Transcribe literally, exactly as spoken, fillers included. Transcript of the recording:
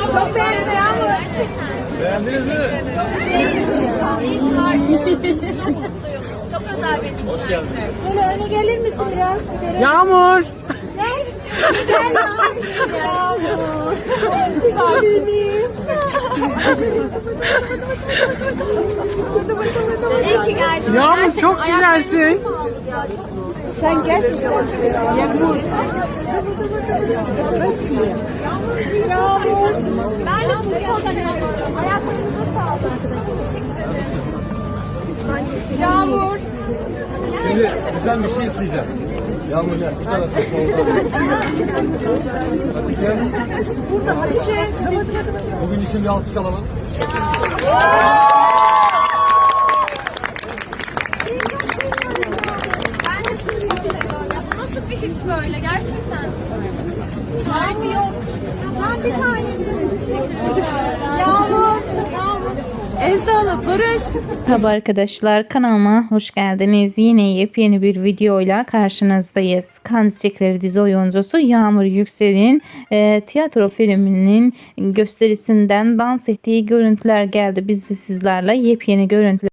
Çok beğendim Yağmur. Beğendiniz mi? Çok mutluyum. Çok özel bir gün. Hoş geldin. Böyle öne gelir misin biraz? Yağmur. Gel. Gel Yağmur. Güzelim. İyi ki geldin. Yağmur çok güzelsin. Sen gerçekten Yağmur. Yağmur. Ben de size çok önemli. Ayaklarınıza sağlık. Yağmur. Şimdi sizden bir şey isteyeceğim. Yağmur gel. Bu tarafa solda. Hadi gel. Burada Hatice. Bugün için bir alkış alalım. Ben de sizi çok seviyorum. Ya bu nasıl bir his böyle gerçekten? Tarifi yok. Ben bir tanesini. Teşekkür ederim. Yağmur. Yağmur. El sağlık Barış. Merhaba arkadaşlar, kanalıma hoş geldiniz. Yine yepyeni bir videoyla karşınızdayız. Kan Çiçekleri dizi oyuncusu Yağmur Yüksel'in e, tiyatro filminin gösterisinden dans ettiği görüntüler geldi. Biz de sizlerle yepyeni görüntüler